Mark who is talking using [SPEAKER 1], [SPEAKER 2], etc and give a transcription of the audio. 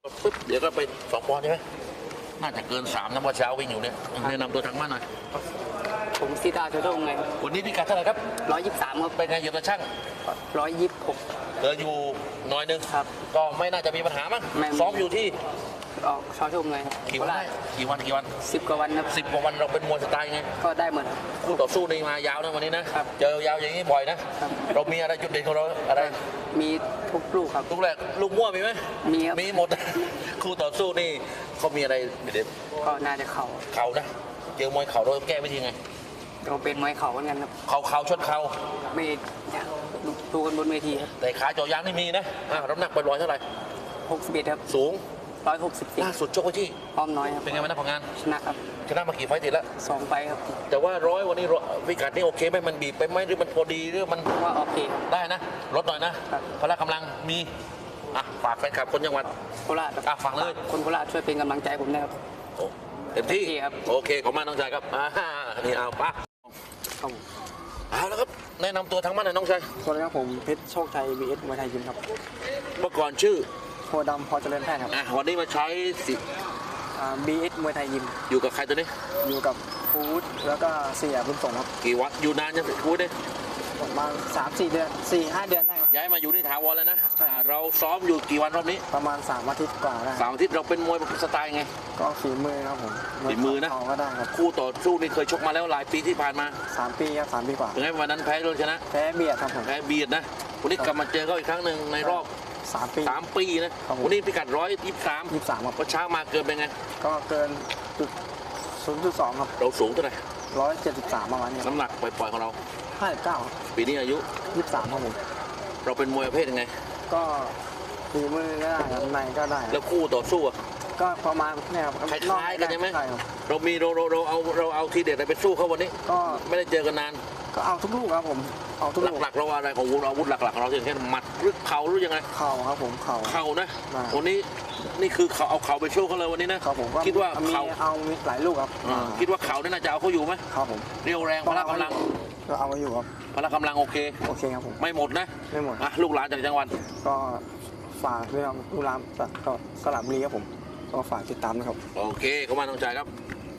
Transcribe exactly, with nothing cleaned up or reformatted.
[SPEAKER 1] ปึ๊บเดี๋ยวก็ไปสองปอนด์ใช่ไหมน่าจะเกินสามนะเมื่อเช้าวิ่งอยู่เนี่ยแนะนำตัวทางบ้านหน่อย
[SPEAKER 2] ผมซีดาโชโดงไง
[SPEAKER 1] วันนี้พิกัดเท่าไหร่ครับ
[SPEAKER 2] ร้อยยี่สิบสามครับ
[SPEAKER 1] เป็นไงเหยียบตะช่าง
[SPEAKER 2] ร้อยยี่สิบหก
[SPEAKER 1] เดินอยู่หน้อยนึง
[SPEAKER 2] ครับ
[SPEAKER 1] ก็ไม่น่าจะมีปัญหามั้ง
[SPEAKER 2] ไม่
[SPEAKER 1] ซ้อมอยู่ที่
[SPEAKER 2] ออกชอชมไง
[SPEAKER 1] กี่วันได้กี่วันกี่วัน
[SPEAKER 2] สิบกว่าวันครับ
[SPEAKER 1] สิบกว่าวันเราเป็นมวยสไตล์ไง
[SPEAKER 2] ก็ได้เหมือนครับ
[SPEAKER 1] คู่ต่อสู้นี่มายาวนะวันนี้นะครับ เจอยาวอย่างนี้บ่อยนะครับ เรามีอะไรจุดเด่นของเราอะไร
[SPEAKER 2] มีทุกลูกครับ
[SPEAKER 1] ลูกแรกลูกมั่วมีไหม
[SPEAKER 2] มีครับ
[SPEAKER 1] มีหมด คู่ต่อสู้นี่เขามีอะไรเด็ด
[SPEAKER 2] ก็น่าจะเข่า
[SPEAKER 1] เข่านะเจอมวยเข่าเราแก้วิธีไง
[SPEAKER 2] เราเป็นมวยเข่าเหมือนกันครับ
[SPEAKER 1] เข่าเข่าชนเข่า
[SPEAKER 2] ไม่อยากดูกันบนเวทีครับ
[SPEAKER 1] แต่ขาเจาะยางนี่มีนะอ่ะน้ำหนักปล่อยๆเท่าไหร่
[SPEAKER 2] หกสิบเอ็ดครับ
[SPEAKER 1] สูง
[SPEAKER 2] ร้อยหกสิบ
[SPEAKER 1] ล่าสุดชกไว้ที่
[SPEAKER 2] อ้อมน้อยครับ
[SPEAKER 1] เป็นไงบ้างนะผลงาน
[SPEAKER 2] ชนะครับ
[SPEAKER 1] ชนะมากี่ไฟต์ติดแล้ว
[SPEAKER 2] สองไปครับ
[SPEAKER 1] แต่ว่าร้อยวันนี้ร้อยพิกัดนี่โอเคไหมมันบีบไปไหมหรือมันพอดีหรือมัน
[SPEAKER 2] ว่าโอเคครับ
[SPEAKER 1] ได้นะลดหน่อยนะครับ พละกำลังมีอ่ะฝากแฟนคลับคนจังหวัด
[SPEAKER 2] โคราชครับ
[SPEAKER 1] อ่ะฝากเลย
[SPEAKER 2] คนโคราชช่วยเป็นกำลังใจให้ผมนะครับ
[SPEAKER 1] โอ้เต็มที่
[SPEAKER 2] เต็มที่ครับ
[SPEAKER 1] โอเคขอบคุณมากน้องชายครับอ่านี่เอาปะ
[SPEAKER 2] ครับ
[SPEAKER 1] เอาแล้วครับแนะนำตัวทั้งบ้านหน่อยน้องชาย
[SPEAKER 3] สวัสดีครับผมเพชรโชคชัย บี เอส มวยไทยยิมครับ
[SPEAKER 1] เมื่อก่อนชื่อ
[SPEAKER 3] โคดำพอเจริญแพทย์ครับ
[SPEAKER 1] อ่ะวันนี้มาใช้สิ
[SPEAKER 3] อ่า บี เอส มวยไทยยิม
[SPEAKER 1] อยู่กับใครตัวนี้
[SPEAKER 3] อยู่กับฟูดแล้วก็เสียบุญส่งครับ
[SPEAKER 1] กี่วันอยู่นานยังพูดดิ
[SPEAKER 3] ประมาณสามสี่เดือนสี่ห้าเดือนได้ครับ
[SPEAKER 1] ย้ายมาอยู่ที่ถาวรแล้วนะ
[SPEAKER 3] ใช่
[SPEAKER 1] อ่าเราซ้อมอยู่กี่วันรอบนี้
[SPEAKER 3] ประมาณสามอาทิตย์กว่าได้
[SPEAKER 1] สามอาทิตย์เราเป็นมวยสไตล์ไง
[SPEAKER 3] ก็ฝีมือครับผม
[SPEAKER 1] ฝีมือนะ
[SPEAKER 3] เขาก็ได้ครับ
[SPEAKER 1] คู่ต่อสู้นี่เคยชกมาแล้วหลายปีที่ผ่านมา
[SPEAKER 3] สามปีครับสามปีกว่า
[SPEAKER 1] ถึงไงวันนั้นแพ้โดนชนะ
[SPEAKER 3] แพ้เบียดครับผม
[SPEAKER 1] แพ้เบียดนะวันนี้กลับมาเจอเขาอีกครั้งหนึ่งในรอบ
[SPEAKER 3] สามปี
[SPEAKER 1] สามปีนะครับ
[SPEAKER 3] ผม
[SPEAKER 1] วันนี้พิกัดร้อยยี่สิบสาม
[SPEAKER 3] ยี่สิบสามครับ
[SPEAKER 1] พอเช้ามาเกินเป็นไง
[SPEAKER 3] ก็เกินจุดศูนย์จุดสองครับ
[SPEAKER 1] เราสูงเท่าไหร่
[SPEAKER 3] ร้อยเจ็ดสิบสามประมาณนี้ครับ
[SPEAKER 1] น้ำหนักปล่อยๆของเรา
[SPEAKER 3] ห้าสิบเก้า
[SPEAKER 1] ปีนี้อายุ
[SPEAKER 3] ยี่สิบสามครับผม
[SPEAKER 1] เราเป็นมวยประเภทยังไง
[SPEAKER 3] ก็ฝีมือก็ได้ครับในก็ได้ค
[SPEAKER 1] แล้
[SPEAKER 3] รับ
[SPEAKER 1] วคู่ต่อสู้อะ
[SPEAKER 3] ก็ประมาณเนี่ยครับ
[SPEAKER 1] คล้ายๆกันใช่ไหม
[SPEAKER 3] ใช่ครับ
[SPEAKER 1] เรามีเราเราเราเอาเราเอาทีเด็ดอะไรไปสู้เขาวันนี้
[SPEAKER 3] ก็
[SPEAKER 1] ไม่ได้เจอกันนาน
[SPEAKER 3] ก็เอาทุกลูกครับผมเอาทุกลูก
[SPEAKER 1] หลักๆเราอะไรของอาวุธหลักๆของเราอย่างเช่นหมัดหรือเข่าหรือยังไง
[SPEAKER 3] เข่าครับผมเข่า
[SPEAKER 1] เข่านะ
[SPEAKER 3] ได้
[SPEAKER 1] วันนี้นี่คือเขาเอาเข่าไปสู้เขาเลยวันนี้นะครับ
[SPEAKER 3] ผมก็
[SPEAKER 1] คิดว่า
[SPEAKER 3] มี
[SPEAKER 1] เข่า
[SPEAKER 3] เอามีหลายลูกครับ
[SPEAKER 1] อ่าคิดว่าเข่านี่น่าจะเอาเขาอยู่ไหม
[SPEAKER 3] ครับผม
[SPEAKER 1] เรียวแรงพละกำลัง
[SPEAKER 3] ก็เอาไว้อยู่ครับ
[SPEAKER 1] พละกำลังโอเค
[SPEAKER 3] โอเคครับผม
[SPEAKER 1] ไม่หมดนะ
[SPEAKER 3] ไม่หมด
[SPEAKER 1] อ่ะลูกหลานจากจังหวัด
[SPEAKER 3] ก็ฝากด้วยครับลูกหลานก็สระบุรีครับผมก็ฝากติดตามนะครับ
[SPEAKER 1] โอเคขอบคุณมากน้องชายครับ